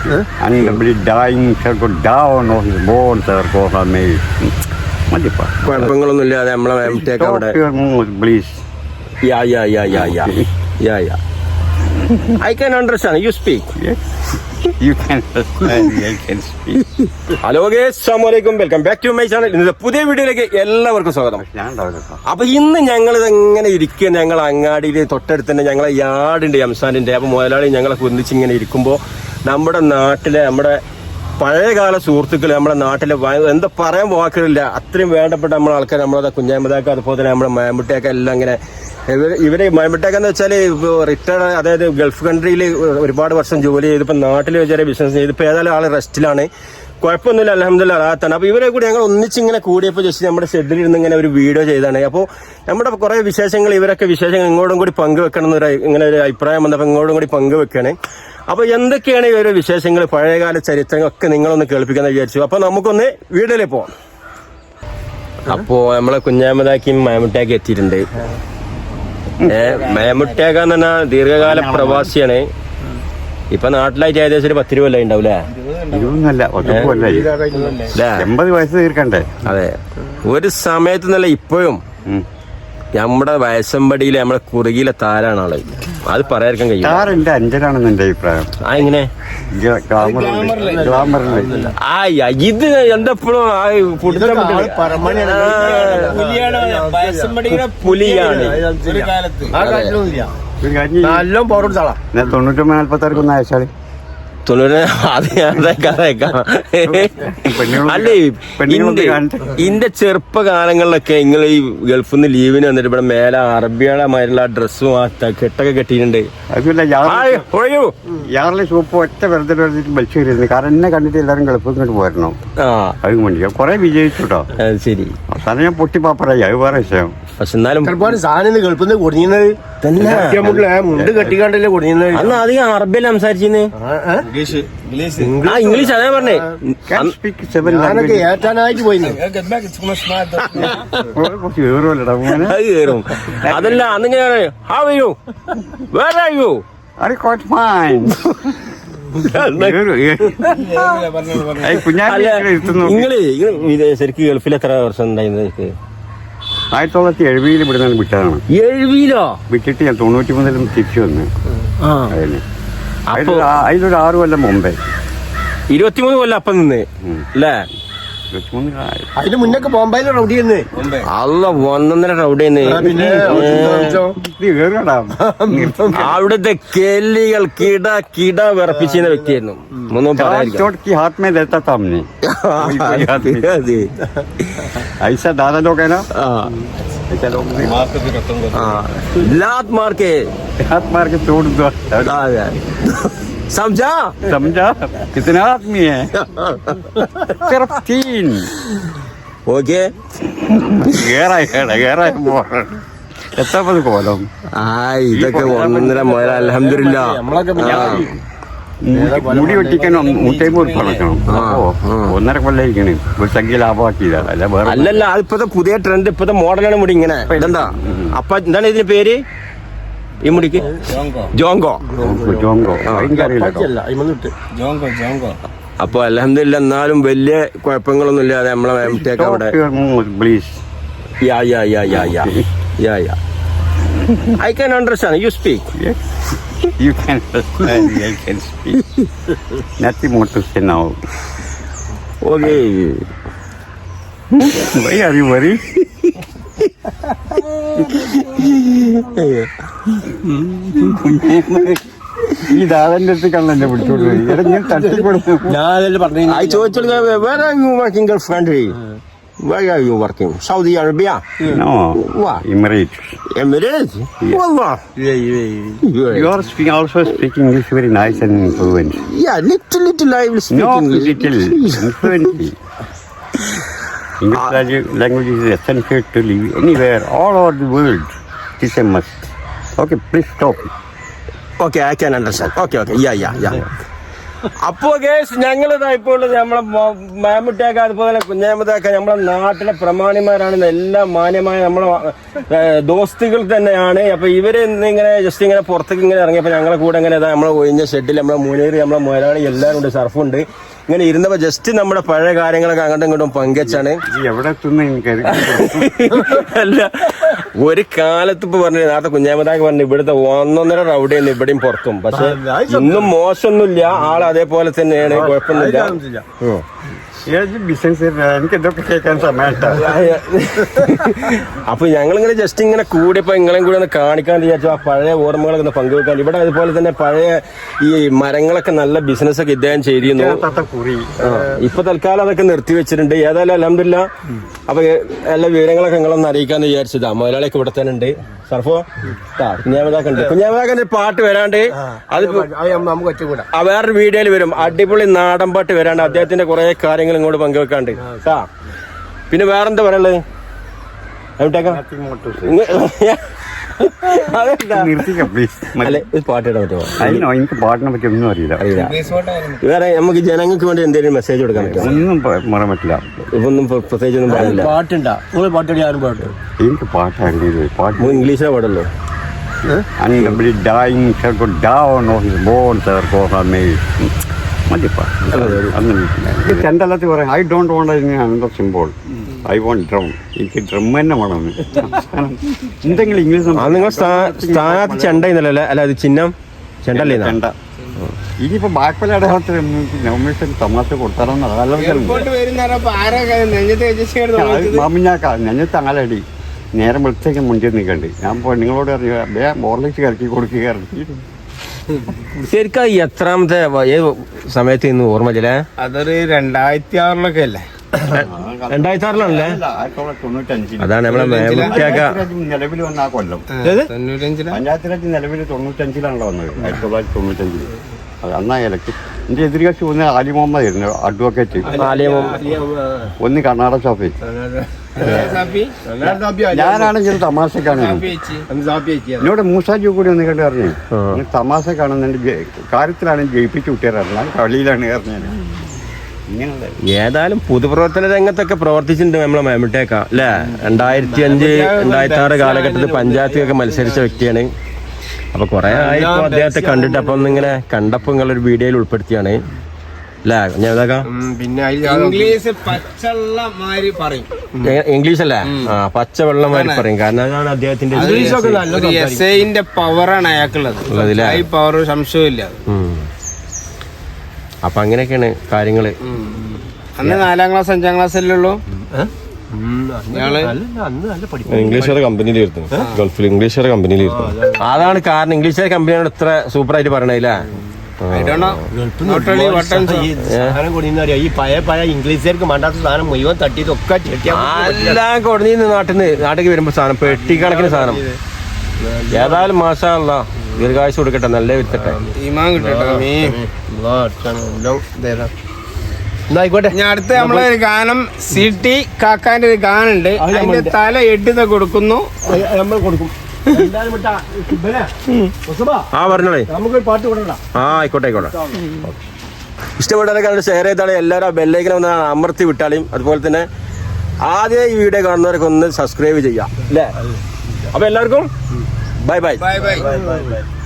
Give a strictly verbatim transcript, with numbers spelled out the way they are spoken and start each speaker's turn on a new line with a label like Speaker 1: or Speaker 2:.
Speaker 1: Somebody dying shall go down or his bones are go from me. മതിപ്പാ.
Speaker 2: കുഴപ്പങ്ങളൊന്നും ഇല്ലാതെ നമ്മളെ മാമുട്ടിയൊക്കെ അവിടെ.
Speaker 1: Stop your mood, please.
Speaker 2: Yeah, yeah, yeah, yeah, yeah. Yeah, yeah. I can understand. You speak.
Speaker 1: Yes. You can understand. I can speak.
Speaker 2: Hello guys, അസ്സലാമു അലൈക്കും. Welcome back to my channel. ഇന്നത്തെ പുതിയ വീഡിയോയിലേക്ക് എല്ലാവർക്കും സ്വാഗതം. അപ്പൊ ഇന്ന് ഞങ്ങൾ ഇങ്ങനെ ഇരിക്കുക, ഞങ്ങൾ അങ്ങാടിയിൽ തൊട്ടടുത്ത് തന്നെ ഞങ്ങളെ യാർഡുണ്ട് എംസാനിന്റെ. അപ്പൊ മുതലാളി ഞങ്ങളെ കുന്നിച്ച് ഇങ്ങനെ ഇരിക്കുമ്പോൾ നമ്മുടെ നാട്ടിലെ നമ്മുടെ പഴയകാല സുഹൃത്തുക്കൾ, നമ്മുടെ നാട്ടിലെ എന്താ പറയാൻ വാക്കുകളില്ല, അത്രയും വേണ്ടപ്പെട്ട നമ്മളെ ആൾക്കാർ, നമ്മളെ കുഞ്ഞാമതാക്ക, അതുപോലെ തന്നെ നമ്മുടെ മാമുട്ടിയൊക്കെ എല്ലാം ഇങ്ങനെ ഇവർ ഇവര് മാമുട്ടിയൊക്കെ എന്ന് വെച്ചാൽ റിട്ടയർഡ്, അതായത് ഗൾഫ് കൺട്രിയിൽ ഒരുപാട് വർഷം ജോലി ചെയ്ത് ഇപ്പം നാട്ടിൽ ചെറിയ ബിസിനസ് ചെയ്ത് ഇപ്പം ഏതായാലും ആൾ റെസ്റ്റിലാണ്. കുഴപ്പമൊന്നുമില്ല, അൽഹംദുലില്ലാഹ് റാഹത്താണ്. അപ്പോൾ ഇവരെ കൂടി ഞങ്ങൾ ഒന്നിച്ചിങ്ങനെ കൂടിയപ്പോൾ ജസ്റ്റ് നമ്മുടെ ഷെഡിൽ ഇരുന്ന് ഇങ്ങനെ ഒരു വീഡിയോ ചെയ്താണ്. അപ്പോൾ നമ്മുടെ കുറേ വിശേഷങ്ങൾ, ഇവരൊക്കെ വിശേഷങ്ങൾ ഇങ്ങോട്ടും കൂടി പങ്കുവെക്കണം എന്നൊരു ഇങ്ങനെ ഒരു അഭിപ്രായം വന്നപ്പോൾ ഇങ്ങോട്ടും കൂടി പങ്കുവെക്കുകയാണ്. അപ്പോൾ എന്തൊക്കെയാണ് ഇവരുടെ വിശേഷങ്ങൾ, പഴയകാല ചരിത്രങ്ങളൊക്കെ നിങ്ങളൊന്ന് കേൾപ്പിക്കാന്ന് വിചാരിച്ചു. അപ്പോൾ നമുക്കൊന്ന് വീഡിയോയിലേക്ക് പോവാം. അപ്പോൾ നമ്മളെ കുഞ്ഞാമതാക്കിയും മാമുട്ടിയൊക്കെ എത്തിയിട്ടുണ്ട്. മാമുട്ടിയൊക്കെ എന്ന് പറഞ്ഞാൽ ദീർഘകാല പ്രവാസിയാണ്. ഇപ്പൊ നാട്ടിലായിട്ട് ഏകദേശം ഒരു പത്ത് രൂപ അല്ലേ ഉണ്ടാവൂലേ?
Speaker 1: എൺപത് വയസ്സ് തീർക്കണ്ടേ?
Speaker 2: അതെ, ഒരു സമയത്ത് നല്ല ഇപ്പോഴും നമ്മുടെ വയസ്സമ്പടിയിലെ നമ്മുടെ കുറുകിയിലെ താരാണ് ആള്. അത് പറയാൻ കഴിയും.
Speaker 1: താറിന്റെ അഞ്ചനാണെന്ന് എന്റെ അഭിപ്രായം.
Speaker 2: ആ എങ്ങനെ
Speaker 1: ആ
Speaker 2: ഇത് എന്തെപ്പോഴും പുലിയാണ്.
Speaker 1: തൊണ്ണൂറ്റൊമ്പത് നാല്പത്താറ് അയച്ചാളി
Speaker 2: തൊണ്ണൂറ്. അത് അല്ലേ, ഇന്റെ ചെറുപ്പകാലങ്ങളിലൊക്കെ നിങ്ങൾ ഈ ഗൾഫിൽ നിന്ന് ലീവിന് വന്നിട്ട് ഇവിടെ മേലെ അറബികളമായിട്ടുള്ള ഡ്രസ്സും ആ കെട്ടൊക്കെ കെട്ടിയിട്ടുണ്ട്.
Speaker 1: യാറിലെ സൂപ്പ് ഒറ്റ വെറുതെ വെറുതെ വലിച്ചു കയറിയിരുന്നു. കാരണം എന്നെ കണ്ടിട്ട് എല്ലാവരും ഗൾഫിൽ ഇങ്ങോട്ട് പോരണം.
Speaker 2: ആ
Speaker 1: അത് വേണ്ടി കുറെ വിജയിച്ചു കേട്ടോ.
Speaker 2: ശരി,
Speaker 1: അവസാനം ഞാൻ പൊട്ടി പാപ്പറായി. അത് വേറെ വിഷയം.
Speaker 2: പക്ഷെ എന്നാലും
Speaker 3: സാധനം ഗൾഫിൽ നിന്ന് കുടുങ്ങിയത് മുണ്ട് കെട്ടിക്കാണ്ടല്ലേ കുടുങ്ങിയത്.
Speaker 2: അന്ന് അധികം അറബിയല്ല സംസാരിച്ചിരുന്നേ. ആ ഇംഗ്ലീഷ് അതേ പറഞ്ഞേ.
Speaker 3: ഏറ്റാനായിട്ട് പോയി
Speaker 2: അത് കയറും. അതല്ല അന്നിങ്ങനെ how are you, where are you, നിങ്ങള് ശരിക്കും ഗൾഫിൽ എത്ര വർഷം ഉണ്ടായിരുന്നു?
Speaker 1: ആയിരത്തി തൊള്ളായിരത്തി എഴുപതിൽ ഇവിടെ വിട്ടതാണ്.
Speaker 2: എഴുപതിലോ
Speaker 1: വിട്ടിട്ട് ഞാൻ തൊണ്ണൂറ്റി മൂന്നിലും തിരിച്ചു വന്നു. അതിന് അതിലൊരു ആറു കൊല്ലം മുമ്പേ.
Speaker 2: ഇരുപത്തിമൂന്ന് കൊല്ലം അപ്പം നിന്ന് അല്ലേ?
Speaker 3: അതിന് മുന്നൊക്കെ ബോംബെയിലെ റൗഡി തന്നെ.
Speaker 2: അല്ല, ഒന്നൊന്നര റൗഡി തന്നെ. അവിടുത്തെ കേലികൾ കിട കിട വിറപ്പിച്ചിരുന്ന വ്യക്തിയായിരുന്നു. ഒന്നും
Speaker 1: ऐसा दादा लोग है ना, ऐसा लोग
Speaker 2: लात मार के
Speaker 1: हाथ मार के तोड़ दो.
Speaker 2: समझा
Speaker 1: समझा कितने आदमी है? सिर्फ तीन.
Speaker 2: ओके,
Speaker 1: गहरा है गहरा है मोर. എത്ര പത് കോലം.
Speaker 2: ആ ഇതൊക്കെ ഒന്നര മുതല. അൽഹംദുലില്ലാഹ്.
Speaker 1: മുടി വെട്ടിക്കാൻ നൂറ്റമ്പത് ഉറുപ്പ അടക്കണം. ഒന്നര കൊല്ലായിരിക്കണേ ഒരു സംഖ്യ ലാഭമാക്കിയതാണ്. അല്ല വേറെ
Speaker 2: അല്ലല്ല, അതിപ്പത്തെ പുതിയ ട്രെൻഡ്, ഇപ്പത്തെ മോഡലാണ് മുടി ഇങ്ങനെ. ഇതെന്താ അപ്പൊ എന്താണ് ഇതിന്റെ പേര് ഈ മുടിക്ക്? ജോങ്കോ.
Speaker 1: ജോങ്കോ
Speaker 2: അപ്പൊ അൽഹംദുലില്ലാഹ്. എന്നാലും വലിയ കുഴപ്പങ്ങളൊന്നും ഇല്ലാതെ നമ്മളെ മാമുട്ടിയൊക്കെ അവിടെ.
Speaker 1: Please.
Speaker 2: Yeah yeah yeah yeah yeah yeah yeah I can understand. You speak.
Speaker 1: Yes. You can understand. I can speak. Nothing more to say now.
Speaker 2: Okay.
Speaker 1: Why are you worried? ഈ ദാദന്റെ അടുത്ത് കണ്ണല്ലേ പിടിച്ചോളൂ. ഞാൻ തട്ടിക്കൊടുത്തു.
Speaker 3: ഞാനല്ലേ പറഞ്ഞു.
Speaker 2: I told you, where are you working Gulf country? Where are you working? Saudi Arabia?
Speaker 1: No.
Speaker 2: What?
Speaker 1: Emirates.
Speaker 2: Emirates?
Speaker 1: Yeah.
Speaker 2: Wallah.
Speaker 3: Yeah, yeah,
Speaker 2: yeah.
Speaker 1: You are speaking, also speaking English very nice and fluent.
Speaker 2: Yeah, little, little I will speak
Speaker 1: no,
Speaker 2: English.
Speaker 1: little, fluently. English uh, language is essential to live anywhere, all over the world. It is a must. Okay, please stop.
Speaker 2: Okay, I can understand. Okay, okay. Yeah, yeah, yeah. അപ്പോ case ഞങ്ങളിതാ ഇപ്പോൾ നമ്മളെ മാമുട്ടിയാക്ക അതുപോലെ കുഞ്ഞാമതാക്ക നമ്മളെ നാട്ടിലെ പ്രമാണിമാരാണ് എല്ലാം മാന്യമായ നമ്മളെ ദോസ്തുകൾ തന്നെയാണ്. അപ്പൊ ഇവര് ഇങ്ങനെ ജസ്റ്റ് ഇങ്ങനെ പുറത്തേക്ക് ഇങ്ങനെ ഇറങ്ങിയപ്പോ ഞങ്ങളെ കൂടെ ഇങ്ങനെ നമ്മളെ ഒഴിഞ്ഞ ഷെഡിൽ നമ്മളെ മുനേറി നമ്മളെ മുതലാളി എല്ലാവരും ഉണ്ട്, സർഫുണ്ട്. ഇങ്ങനെ ഇരുന്നപ്പോ ജസ്റ്റ് നമ്മുടെ പഴയ കാര്യങ്ങളൊക്കെ അങ്ങോട്ടും ഇങ്ങോട്ടും പങ്കുവെച്ചാണ്.
Speaker 1: എവിടെ
Speaker 2: അല്ല ഒരു കാലത്ത് ഇപ്പൊ പറഞ്ഞു നേരത്തെ കുഞ്ഞാമതാക്ക് പറഞ്ഞു ഇവിടുത്തെ ഒന്നൊന്നര റൗഡിയാണ് ഇവിടെയും പുറത്തും. പക്ഷെ ഇന്നും മോശമൊന്നുമില്ല, ആൾ അതേപോലെ തന്നെയാണ്, കുഴപ്പമൊന്നുമില്ല.
Speaker 1: ബിസിനസ് എനിക്ക് ഇതൊക്കെ കേൾക്കാൻ സമയട്ടാ.
Speaker 2: അപ്പൊ ഞങ്ങളിങ്ങനെ ജസ്റ്റ് ഇങ്ങനെ കൂടിയപ്പോ നിങ്ങളെയും കൂടി ഒന്ന് കാണിക്കാൻ വിചാരിച്ചു, ആ പഴയ ഓർമ്മകളൊക്കെ ഒന്ന് പങ്കുവെക്കാൻ. ഇവിടെ അതുപോലെ തന്നെ പഴയ ഈ മരങ്ങളൊക്കെ നല്ല ബിസിനസ് ഒക്കെ ഇദ്ദേഹം ചെയ്തിരുന്നു. ഇപ്പൊ തൽക്കാലം അതൊക്കെ നിർത്തി വെച്ചിട്ടുണ്ട്. ഏതായാലും അൽഹംദുലില്ലാ. അപ്പൊ എല്ലാ വിവരങ്ങളൊക്കെ നിങ്ങളൊന്ന് അറിയിക്കാന്ന് വിചാരിച്ചതാ. മുതലാളിയൊക്കെ ഇവിടെ തന്നെ ഉണ്ട്. സർഫോ കുഞ്ഞാമതാക്ക ഉണ്ട്. കുഞ്ഞാമതാക്കന്റെ പാട്ട് വരാണ്ട് അത് വേറൊരു വീഡിയോയിൽ വരും. അടിപൊളി നാടൻ പാട്ട് വരാണ്ട് അദ്ദേഹത്തിന്റെ കുറെ കാര്യങ്ങൾ ഇങ്ങോട്ട് പങ്കുവെക്കാണ്ട് കേട്ടാ. പിന്നെ വേറെന്താ പറയുള്ളത്? പാട്ടിടാൻ പറ്റുമോ?
Speaker 1: എനിക്ക് പാട്ടിനെ പറ്റി ഒന്നും അറിയില്ല.
Speaker 2: വേറെ നമുക്ക് ജനങ്ങൾക്ക് വേണ്ടി എന്തെങ്കിലും മെസ്സേജ് കൊടുക്കാൻ പറ്റുമോ?
Speaker 1: ഒന്നും പറയാൻ പറ്റില്ല.
Speaker 2: ഇപ്പൊന്നും പ്രത്യേകിച്ച് ഒന്നും പാടില്ല.
Speaker 3: പാട്ടുണ്ടാ നിങ്ങൾ പാട്ട് ആരും പാട്ട്
Speaker 1: എനിക്ക് പാട്ട് അറിയില്ല. പാട്ട്
Speaker 2: ഇംഗ്ലീഷിലെ പാടല്ലോ.
Speaker 1: Anybody dying shall go down on his bones or go on me. മതിപ്പാ ചെണ്ടല്ലത്തിൽ പറയാം. I don't want another cymbal, I want drum. എനിക്ക് ഡ്രം തന്നെ വേണം. എന്തെങ്കിലും ഇംഗ്ലീഷ്
Speaker 2: നിങ്ങൾ സ്ഥാനത്ത് ചെണ്ട ഇന്നല്ലേ? അല്ല അത് ചിഹ്നം ചെണ്ടല്ലേ?
Speaker 1: ചെണ്ട. ഇനിയിപ്പോ ബാക്കിയുടെ നോമിനേഷൻ തമാശ കൊടുത്താലോന്ന് മാമിഞ്ഞാക്ക നെഞ്ഞത്ത് ആലടി നേരം വെളുത്തേക്ക് മുന്നിൽ നിൽക്കണ്ട്. ഞാൻ പോ നിങ്ങളോട് അറിയാ മോർലിക്സ് കറക്കി കൊടുക്കുക.
Speaker 2: ശരിക്കും എത്രാമത്തെ ഏത് സമയത്ത് ഇന്ന് ഓർമ്മയില്ലേ?
Speaker 3: അതൊരു രണ്ടായിരത്തി ആറിലൊക്കെ അല്ലേ?
Speaker 2: രണ്ടായിരത്തി ആറിലാണല്ലേ? അതാണ് നമ്മളെ
Speaker 1: നിലവിൽ വന്ന ആ കൊല്ലം. പഞ്ചായത്ത് രാജ് നിലവിൽ തൊണ്ണൂറ്റഞ്ചിലാണല്ലോ വന്നത്. ആയിരത്തി തൊള്ളായിരത്തി തൊണ്ണൂറ്റഞ്ചില്. അന്നാ ഇലക്ഷൻ. എന്റെ എതിർകക്ഷി ഒന്ന് ആലി മുഹമ്മദ് ആയിരുന്നു, അഡ്വക്കേറ്റ്. ഒന്ന് കർണാടക ഷാഫി. ഞാനാണെങ്കിൽ തമാശക്കാണ്. എന്നോട് മൂസാജി കൂടി ഒന്ന് കണ്ട് പറഞ്ഞു തമാശ കാണുന്നുണ്ട്, കാര്യത്തിലാണ് ജയിപ്പിച്ചു വിട്ടിയറിഞ്ഞ കളിയിലാണ് പറഞ്ഞത്.
Speaker 2: ഏതായാലും പൊതുപ്രവർത്തന രംഗത്തൊക്കെ പ്രവർത്തിച്ചിട്ടുണ്ട് നമ്മളെ മാമുട്ടിയാക്ക അല്ലേ? രണ്ടായിരത്തി അഞ്ച് രണ്ടായിരത്തി ആറ് കാലഘട്ടത്തിൽ പഞ്ചായത്തിലൊക്കെ മത്സരിച്ച വ്യക്തിയാണ്. അപ്പൊ കുറെ ആയിപ്പോ അദ്ദേഹത്തെ കണ്ടിട്ട് അപ്പൊ ഒന്നിങ്ങനെ കണ്ടപ്പോ നിങ്ങളൊരു വീഡിയോയിൽ ഉൾപ്പെടുത്തിയാണ് അല്ലേ?
Speaker 3: പിന്നെ ഇംഗ്ലീഷ് പച്ചവെള്ളമാരി പറയും.
Speaker 2: ഇംഗ്ലീഷ് അല്ലേ? ആ പച്ചവെള്ളമാരി പറയും. കാരണം അതാണ് അദ്ദേഹത്തിന്റെ
Speaker 3: എസ്ഐന്റെ പവറാണ് അയാൾക്കുള്ളത്. ഈ പവർ സംശയമില്ല.
Speaker 2: അപ്പൊ അങ്ങനെയൊക്കെയാണ് കാര്യങ്ങള്.
Speaker 3: അന്ന് നാലാം ക്ലാസ് അഞ്ചാം ക്ലാസ് അല്ലേ ഉള്ളൂ.
Speaker 2: ഇംഗ്ലീഷുകാരെ കമ്പനിയിലായിരുന്നു, ഗൾഫിൽ ഇംഗ്ലീഷുകാരെ കമ്പനിയിലായിരുന്നു. അതാണ് കാരണം ഇംഗ്ലീഷുകാരെ കമ്പനിയാണ് ഇത്ര സൂപ്പർ ആയിട്ട് പറയണില്ല.
Speaker 3: ഈ പഴയ പഴയ ഇംഗ്ലീഷുകാർക്ക് വേണ്ടാത്ത സാധനം മുഴുവൻ തട്ടിയതൊക്കെ
Speaker 2: എല്ലാം കൊടുന്ന് നാട്ടിൽ നിന്ന് നാട്ടിലേക്ക് വരുമ്പോ സാധനം പെട്ടിക്കണക്കിന് സാധനം. ഏതായാലും മാഷാ അല്ലാ ദീർഘായുസ് കൊടുക്കട്ടെ, നല്ല വിത്തട്ടെ.
Speaker 3: ആയിക്കോട്ടെ. ഞാൻ അടുത്ത നമ്മളെ ഒരു ഗാനം സി ടി കാക്കാന്റെ ഒരു ഗാനുണ്ട്. അതിന്റെ തല എട്ടുന്ന കൊടുക്കുന്നു, നമ്മൾ കൊടുക്കും.
Speaker 2: ആ പറഞ്ഞോളേ,
Speaker 3: നമുക്ക് പാട്ട് കൊടുക്കണ്ട.
Speaker 2: ആ ആയിക്കോട്ടെ ആയിക്കോട്ടെ. ഇഷ്ടപ്പെട്ടവരൊക്കെ ഷെയർ ചെയ്താലും എല്ലാവരും ബെല്ലൈക്കൻ ഒന്ന് അമർത്തി വിട്ടാലും. അതുപോലെ തന്നെ ആദ്യം ഈ വീഡിയോ കാണുന്നവരൊക്കെ ഒന്ന് സബ്സ്ക്രൈബ് ചെയ്യാം അല്ലേ? അപ്പൊ എല്ലാവർക്കും ബൈ ബൈ.
Speaker 3: Bye bye.